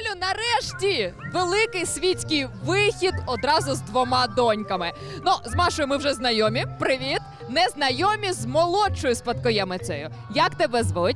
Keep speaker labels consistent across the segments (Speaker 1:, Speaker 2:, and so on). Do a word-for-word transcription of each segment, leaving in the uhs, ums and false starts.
Speaker 1: Юлю, нарешті великий світський вихід одразу з двома доньками. Ну, з Машою ми вже знайомі. Привіт! Незнайомі з молодшою спадкоємицею. Як тебе звуть?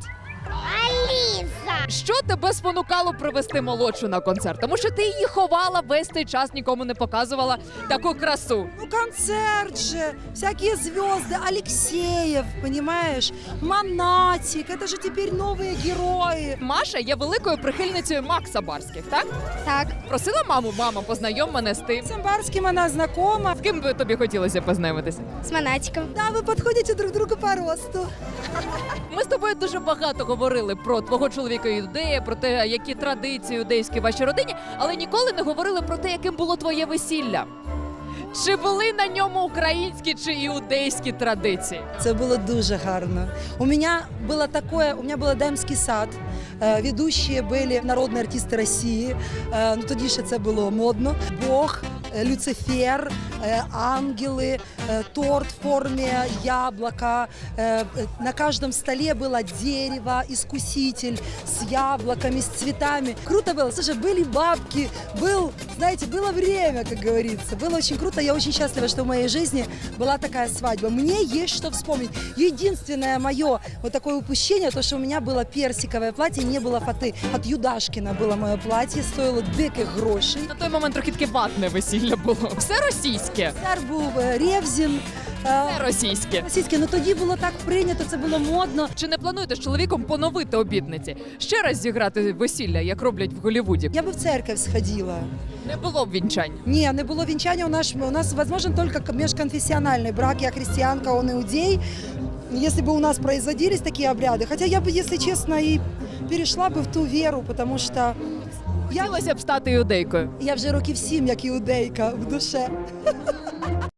Speaker 2: Аліса!
Speaker 1: Що тебе спонукало привезти молодшу на концерт? Тому що ти її ховала весь цей час, нікому не показувала таку красу.
Speaker 3: Ну, концерт же, всякие звезды, Алексеев, понимаешь, Монатик, это же теперь новые герои.
Speaker 1: Маша є великою прихильницею Макса Барських, так?
Speaker 2: Так,
Speaker 1: Просила маму, мама, познайом мене з тим.
Speaker 3: С Амбарским она знакома.
Speaker 1: З ким би тобі хотілося познайомитися?
Speaker 2: з Монатиком.
Speaker 3: Да, вы подходите друг другу по росту.
Speaker 1: Ми з тобою дуже багато говорили про твого чоловіка іудея, про те, які традиції іудейські в вашій родині, але ніколи не говорили про те, яким було твоє весілля. Чи були на ньому українські чи іудейські традиції?
Speaker 3: Це було дуже гарно. У меня было такое, у меня был Едемський сад. Е, Ведущие були народні артисти Росії. Е, Ну тоді ще це було модно. Бог, е, Люцифер, е, ангели, е, торт в формі яблока. Е, е, На каждом столе было дерево, искуситель с яблоками, с цветами. Круто было. Слушай, были бабки, был, знаете, было время, как говорится. Было очень круто. Я очень счастлива, что в моей жизни была такая свадьба. Мне есть что вспомнить. Единственное мое вот такое упущение, то, что у меня было персиковое платье, не было фаты. От Юдашкина было мое платье, стоило диких грошей.
Speaker 1: На той момент трохи таке ватне весілля було. Все російське.
Speaker 3: Цар був е, Ревзін. е,
Speaker 1: Все російське.
Speaker 3: Російське, ну тоді було так прийнято, це було модно.
Speaker 1: Чи не плануєте з чоловіком поновити обітниці? Ще раз зіграти весілля, як роблять в Голлівуді?
Speaker 3: Я би в церковь сходила.
Speaker 1: Не було б вінчань.
Speaker 3: Ні, не було вінчання. У нас, у нас возможен только межконфессиональный брак. Я христианка, он иудей. Если бы у нас производились такие обряды, хотя я бы, если честно, и перешла бы в ту веру, потому что я,
Speaker 1: Хотілося б стати іудейкою.
Speaker 3: я вже років сім, як іудейка в душе.